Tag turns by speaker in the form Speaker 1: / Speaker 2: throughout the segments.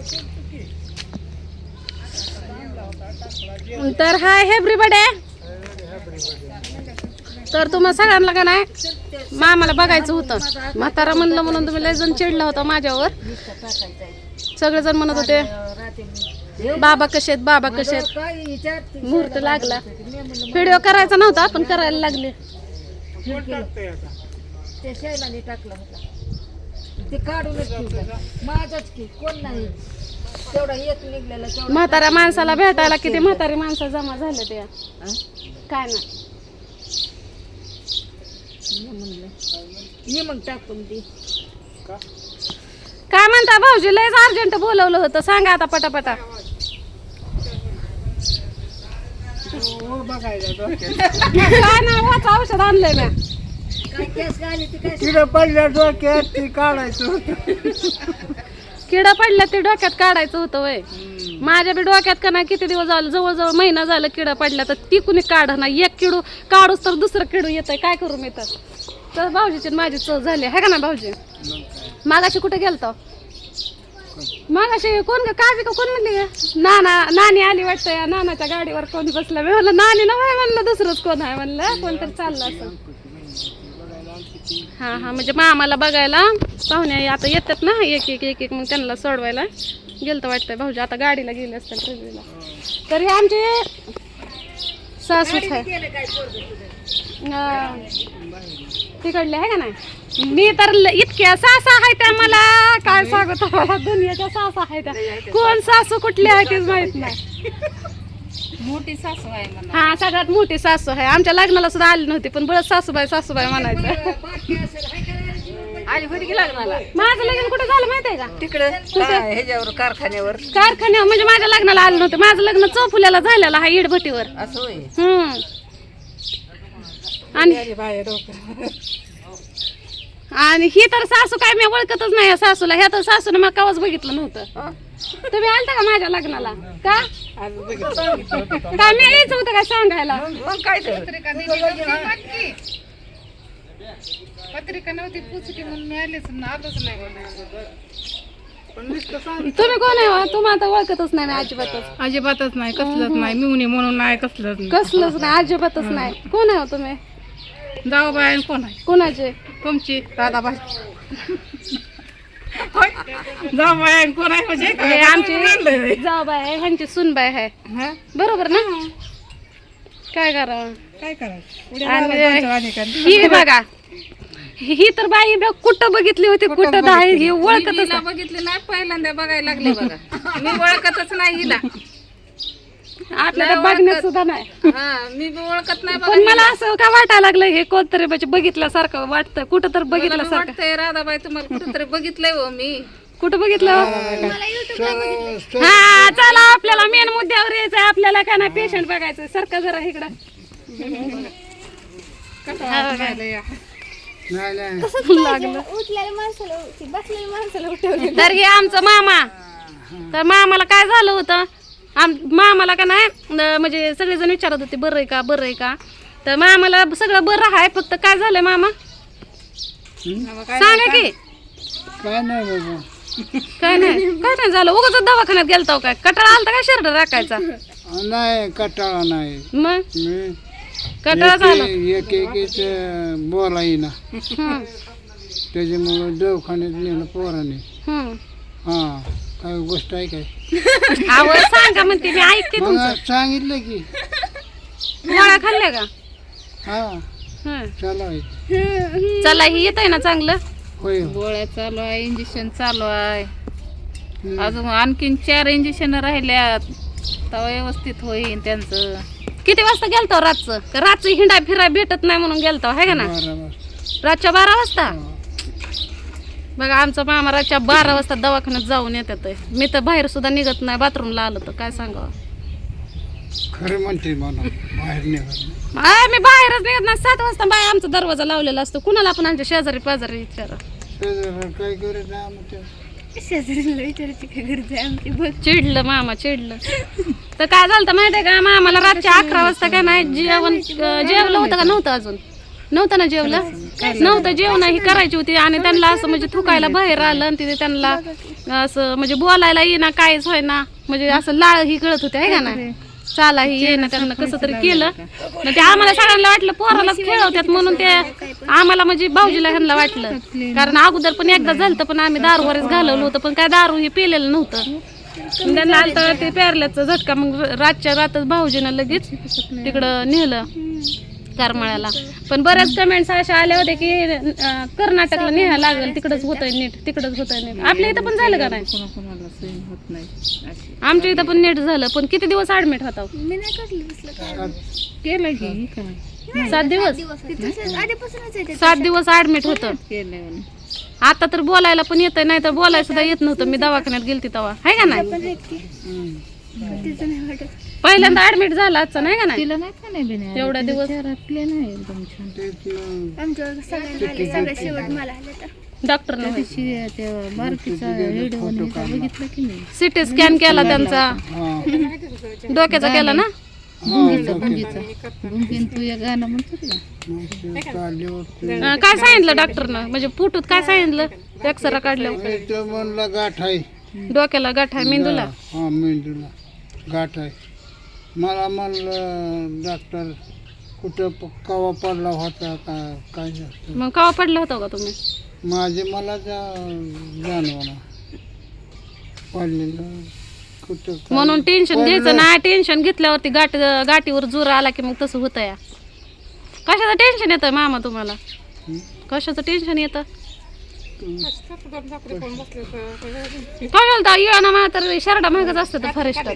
Speaker 1: तर hi everybody. तर तुम्हा सगळ्यांना का नाही मामाला बघायचं होतं. म्हातारा म्हणलं म्हणून तुम्ही लय जण चिडला होता माझ्यावर. सगळेजण म्हणत होते बाबा कसे आहेत, बाबा कसे आहेत. मुहूर्त लागला. व्हिडिओ करायचा नव्हता पण करायला लागले. म्हाताऱ्या माणसाला भेटायला किती म्हातारी माणसं जमा झाले ते काय ना. काय म्हणता भाऊजी, लयच अर्जंट बोलवलं होतं, सांगा आता पटापटा. काय ना वाचा औषध आणलंय ना.
Speaker 2: किडा पडल्या डोक्यात ती काढायचं होतं.
Speaker 1: किडा पडल्या ते डोक्यात काढायचं होतं वय. माझ्या बी डोक्यात का नाही किती दिवस झालं, जवळजवळ महिना झालं किडा पडल्या, तर ती कुणी काढ ना. एक किडू काढूच तर दुसरं किडू येत आहे, काय करू मी तर भाऊजीची माझी चव झाली आहे का ना भाऊजी. मागाशी कुठे गेलतो, मागाशी कोण काळजी का कोण म्हणली नानी आली वाटतं. या नानाच्या गाडीवर कोणी बसलं. मी म्हणलं नानी ना म्हणलं दुसरंच कोण आहे म्हणलं, कोणतरी चाललं असं. हा हा म्हणजे मामाला बघायला पाहुणे आता येतात ना एक एक एक एक, मग त्यांना सोडवायला गेलतं वाटतंय भाऊजी. आता गाडीला गेले असतात रेल्वेला. तर हे आमचे सासूच आहे तिकडले आहे का नाही. मी तर इतक्या सासा आहे त्या मला काय सांगतो, दुनियाच्या सासा आहे त्या. कोण सासू कुठली आहे तेच माहित नाही.
Speaker 3: मोठी सासू आहे मला.
Speaker 1: हा सगळ्यात मोठी सासू आहे. आमच्या लग्नाला सुद्धा आली नव्हती पण बरं सासूबाई सासूबाई म्हणायचं.
Speaker 3: आली होती की लग्नाला.
Speaker 1: माझं लग्न कुठे झालं माहितीये का,
Speaker 3: तिकडे ह्याच्यावर कारखान्यावर.
Speaker 1: कारखान्यावर. म्हणजे माझ्या लग्नाला आलं नव्हतं. माझं लग्न चौफुल्याला झालेलं आहे इडभटीवर.
Speaker 3: असं होय.
Speaker 1: आणि ही तर सासू काय मी ओळखतच नाही या सासूला. ह्या तर सासूने मला कवाच बघितलं नव्हतं. तुम्ही आलता का माझ्या लग्नाला का मी यायचं होतं काय सांगायला.
Speaker 3: मग काय तर
Speaker 4: पत्रिका नव्हती पुचकी म्हणून मिळालीच आलोच नाही.
Speaker 1: तुम्ही कोण आहे हो? तुम्हाला तर ओळखतच नाही मी अजिबातच.
Speaker 4: अजिबातच नाही, कसलंच नाही. मिवणी म्हणून नाही, कसलंच नाही.
Speaker 1: कसलंच नाही, अजिबातच नाही. कोण आहे हो तुम्ही?
Speaker 4: जाऊबाई कोण आहे?
Speaker 1: कोणाचे?
Speaker 4: तुमची दादाबाई. जाऊबाई कोण आहे म्हणजे
Speaker 1: हे आमची जाऊबाई आहे, ह्यांची सुनबाई आहे. बरोबर ना. काय करावं,
Speaker 4: काय करायचं.
Speaker 1: आणि ही बघा ही तर बाई कुठं बघितली होती, कुठं नाही, ही ओळखतच नाही.
Speaker 3: बघितली नाही, पहिल्यांदा बघायला लागले बघा. मी ओळखतच नाही हिला.
Speaker 1: आपल्याला बघण्यात सुद्धा नाही.
Speaker 3: हा मी बी ओळखत नाही.
Speaker 1: पण मला असं का वाटायला लागलं हे कोणतरी म्हणजे बघितल्यासारखं वाटतं, कुठं तर बघितल्यासारखं
Speaker 3: वाटतंय. राधाबाई तुम्हाला कुठेतरी बघितलंय हो मी.
Speaker 1: कुठं बघितलं. हा चला आपल्याला मेन मुद्द्यावर यायचंय. आपल्याला काय नाही पेशंट बघायचं. सारखं जरा इकडं लागलं. तर हे आमचं मामा. तर मामाला काय झालं होतं, मामाला का नाही म्हणजे सगळेजण विचारत होते बरं आहे का बरं आहे का. तर मामाला सगळं बरं आहे, फक्त काय झालंय मामा सांगा की.
Speaker 2: काय नाही बाबा,
Speaker 1: काय नाही झालं. उगाच दवाखान्यात गेलतो काय, कटाळा आलता काय शर्ट राखायचा.
Speaker 2: नाही कटाळा नाही.
Speaker 1: मग
Speaker 2: मी
Speaker 1: कटाळा झाला.
Speaker 2: एक एक बोला येईना, त्याच्यामुळं दवाखान्यात नेलं पोराने. हा काय गोष्ट आहे काय.
Speaker 1: आवड सांगा म्हणते मी ऐकते
Speaker 2: मग
Speaker 1: तुमचं.
Speaker 2: सांगितलं की
Speaker 1: गोळ्या खाल्ल्या का.
Speaker 2: हा चला
Speaker 1: चला ही येत आहे ना चांगलं.
Speaker 2: होय
Speaker 3: गोळ्या चालू आहे, इंजेक्शन चालू आहे. अजून आणखीन 4 इंजेक्शन राहिल्यात, तेव्हा व्यवस्थित होईल त्यांचं.
Speaker 1: किती वाजता गेलतो रातचं, रातचं हिंडा फिराय भेटत नाही म्हणून गेलतो है का ना. रातच्या 12 वाजता. बघा आमचा मामा रातच्या 12 वाजता दवाखान्यात जाऊन येतात. मी तर बाहेर सुद्धा निघत नाही, बाथरूमला आलं तर काय सांगावं.
Speaker 2: खरं म्हणते मला बाहेर निघत.
Speaker 1: मी बाहेरच निघत नाही. 7 वाजता बाय आमचा दरवाजा लावलेला असतो. कुणाला पण आमच्या शेजारी पाजारी विचारा.
Speaker 2: काय करत नाही
Speaker 1: शेजारीला विचारायची काय गरज आहे आमची. बघ चिडलं मामा चिडलं. तर काय झालं माहितीये का, मामाला रातच्या 11 वाजता काय नाही जेवण जेवलं होतं का नव्हतं अजून नव्हतं ना जेवलं नव्हतं जेवण ही करायची होती आणि त्यांना असं म्हणजे थुकायला बाहेर आलं आणि तिथे त्यांना असं म्हणजे बोलायला येईना काहीच होईना म्हणजे असं लाळ ही गळत होते आहे का ना चाला ही येईना त्यांना कसं तरी केलं मग ते आम्हाला सगळ्यांना वाटलं पोरालाच खेळवतात म्हणून ते आम्हाला म्हणजे भाऊजीला ह्यांना वाटलं कारण अगोदर पण एकदा झालं पण आम्ही दारूवरच घालवलं होतं पण काय दारू ही पिलेलं नव्हतं मग त्यांना आलं ते पेरल्याचा झटका मग रातच्या रातच भाऊजीनं लगेच तिकडं नेलं करमाळ्याला पण बऱ्याच कमेंट्स अशा आल्या होत्या की कर्नाटकला न्यायला लागेल तिकडंच होतंय नीट तिकडंच होतंय नीट आपल्या इथं पण झालं का नाही
Speaker 3: कोणाकोणाला सहन होत नाही अशी.
Speaker 1: आमच्या इथं पण नीट झालं पण किती दिवस ऍडमिट होता
Speaker 3: केलं की काय
Speaker 1: 7 दिवस 7 दिवस ऍडमिट होतं
Speaker 3: केलं
Speaker 1: आता तर बोलायला पण येतंय नाही तर बोलायला सुद्धा येत नव्हतं मी दवाखान्यात गेलती तेव्हा आहे का नाही पहिल्यांदा ऍडमिट झाला आजचा नाही का नाही
Speaker 3: तिला नाही का नाही बिना
Speaker 1: एवढ्या दिवस
Speaker 3: घरातले नाही एकदम छान
Speaker 1: डॉक्टर
Speaker 3: त्या बारकीचा व्हिडिओ बघितलं की नाही
Speaker 1: सिटी स्कॅन केला त्यांचा
Speaker 2: हा
Speaker 1: डोक्याचा केला ना
Speaker 3: भुंगीन तू या गाणं म्हणतो ना
Speaker 1: काय सांगितलं डॉक्टरनं म्हणजे फुटूत काय सांगितलं एक्सरा काढल्यावर
Speaker 2: ते म्हणला गाठ आहे
Speaker 1: डोक्याला गाठ आहे मेंदूला
Speaker 2: हा मेंदूला गाठ आहे मला म्हणलं डॉक्टर कुठं कवा पडला होता का काय जास्त
Speaker 1: मग कवा पडला होता का तुम्ही
Speaker 2: माझे मला जाणवलं पडलेलं कुठं काय.
Speaker 1: म्हणून टेन्शन घ्यायचं नाही टेन्शन घेतल्यावरती गाठीवर जोर आला की मग तसं होतं या कशाचं टेन्शन येतं मामा तुम्हाला कशाचं टेन्शन येतं काय बोलता ये ना मला तर शर्टा महागच असतं तर फॉरेस्ट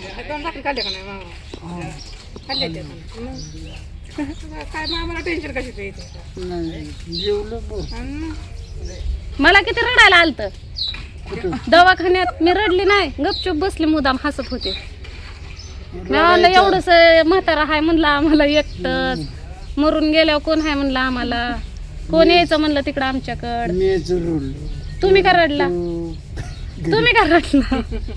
Speaker 4: काय आम्हाला टेन्शन कशाचं येते
Speaker 2: नाही जेवलं बघ
Speaker 1: मला किती रडायला आलतं दवाखान्यात मी रडली नाही गपचूप बसली मुदाम हसत होते मी म्हणलं एवढंच म्हातारा हाय म्हणलं आम्हाला एकटंच मरून गेल्यावर कोण हाय म्हणलं आम्हाला कोण यायचं म्हणलं तिकडं आमच्याकडं
Speaker 2: मीच रडलो
Speaker 1: तुम्ही का रडला तुम्ही का रडला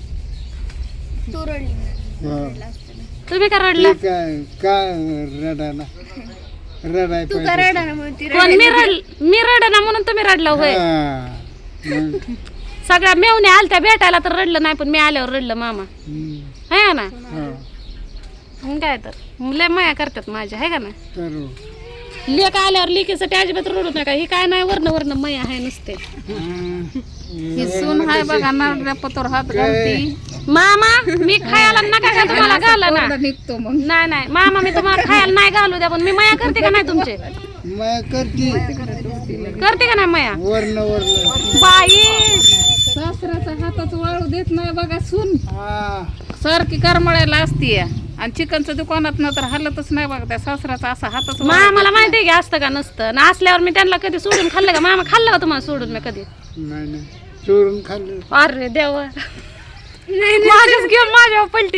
Speaker 2: हा.
Speaker 1: तुम्ही का रडला
Speaker 2: ते काय रडाना रडाय पाहिजे
Speaker 1: कोण मी रडना म्हणून तुम्ही रडला होय
Speaker 2: हा. मग,
Speaker 1: सगळ्या मेवणे आलत्या भेटायला तर रडलं नाही पण मी आल्यावर रडलं मामा
Speaker 2: हम्म.
Speaker 1: है ना
Speaker 2: हा.
Speaker 1: मग काय तर लय माया करतात माझ्या है का ना
Speaker 2: करू
Speaker 1: लेक आल्यावर लेकीसाठी अजिबात रडू नका ही काय नाही वर्ण माया आहे नुसते
Speaker 3: ही सून हाय बघा नारळ्या पतोर हात घालती
Speaker 1: मामा मी खायला नका का तुम्हाला घाला ना
Speaker 3: निघतो मग
Speaker 1: नाही मामा मी तुम्हाला खायला नाही घालू द्या पण मी माया करते का नाही तुमचे
Speaker 2: माया करते
Speaker 1: करते का नाही माया
Speaker 2: वर्ण वर्ण
Speaker 1: बाई
Speaker 3: सासऱ्याचा हाताच वाळू देत नाही बघा सून
Speaker 2: हा
Speaker 3: सारखी करमळायला असती आणि चिकनचं दुकानात ना तर हलतच नाही बघा त्या सासऱ्याचा असा हातच
Speaker 1: मामाला माहिती आहे की असतं का नसतं ना असल्यावर मी त्यांना कधी सोडून खाल्लं का मामा खाल्लं का तुम्हाला सोडून मी कधी
Speaker 2: नाही नाही चोरून खाल्लं
Speaker 1: अरे देवा माझ्याच घेऊन माझ्यावर पलटी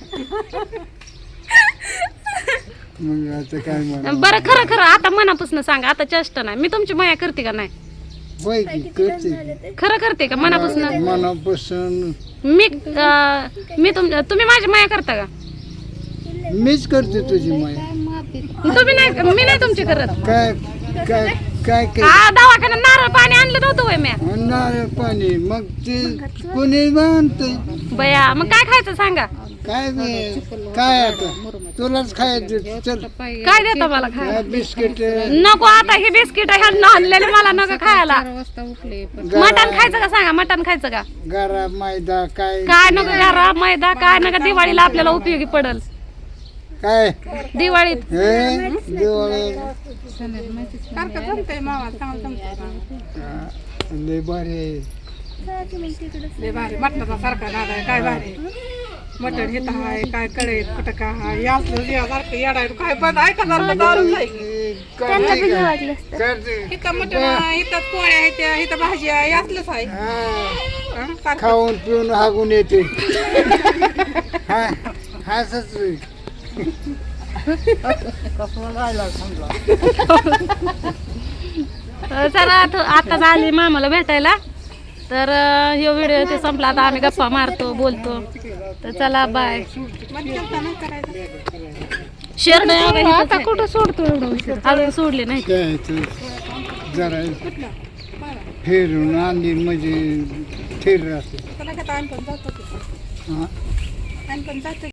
Speaker 2: मग आता काय म्हणा
Speaker 1: बरं खरं आता मनापासून सांगा आता चेष्टा नाही मी तुमची माया करते का नाही
Speaker 2: होय की करते
Speaker 1: खरं करते का मनापासून
Speaker 2: मनापासून
Speaker 1: मी तुम्ही माझी माया करता का
Speaker 2: मीच करते तुझी माया
Speaker 1: तुम्ही नाही मी नाही तुमची करत
Speaker 2: काय काय काय काय
Speaker 1: दवाखान्यात नारळ पाणी आणलं नव्हतं होय म्या
Speaker 2: नारळ पाणी मग ते कोणी बांधतंय
Speaker 1: बया मग काय खायचं सांगा
Speaker 2: काय काय आता तुलाच खायचं चल
Speaker 1: काय देता मला खायला
Speaker 2: बिस्किट
Speaker 1: नको आता हे बिस्किट ह्यांना आणलेले मला नको खायला
Speaker 3: 4 वाजता उठले पण
Speaker 1: मटण खायचं का सांगा मटण खायचं का
Speaker 2: गारा मैदा काय
Speaker 1: काय नको घरा मैदा काय नका दिवाळीला आपल्याला उपयोगी पडल
Speaker 2: काय
Speaker 1: दिवाळीत
Speaker 2: हे दिवाळी
Speaker 4: सारखं जमतंय मामा चांगलं जमतंय
Speaker 2: लय भारी आहे.
Speaker 4: लय भारी मटणाचा सारखा नाद आहे काय भारी मटण हित हाय काय कळेल कुठं काय हाय यातलं सारखं येडाय काय पण ऐका सारखं दारू जाईल
Speaker 2: करते.
Speaker 4: हिथं मटण हिथं पोळ्या आहेत हिथं भाजी आहे यातलंच आहे
Speaker 2: हा.
Speaker 4: हं, सारखं
Speaker 2: खाऊन पिऊन हागून येते हा हसच
Speaker 1: चला आता आली मामाला भेटायला तर हे व्हिडिओ ते संपला आता आम्ही गप्पा मारतो बोलतो तर चला बाय
Speaker 4: मटण करायचं
Speaker 1: शेरड
Speaker 3: आता कुठं सोडतो एवढं उशीर
Speaker 1: अजून सोडले नाही
Speaker 2: खेळायचं जरा फिरून आली म्हणजे स्थिर राहते
Speaker 4: त्याला काय आणखी जातो
Speaker 2: हां
Speaker 4: आणखी जातो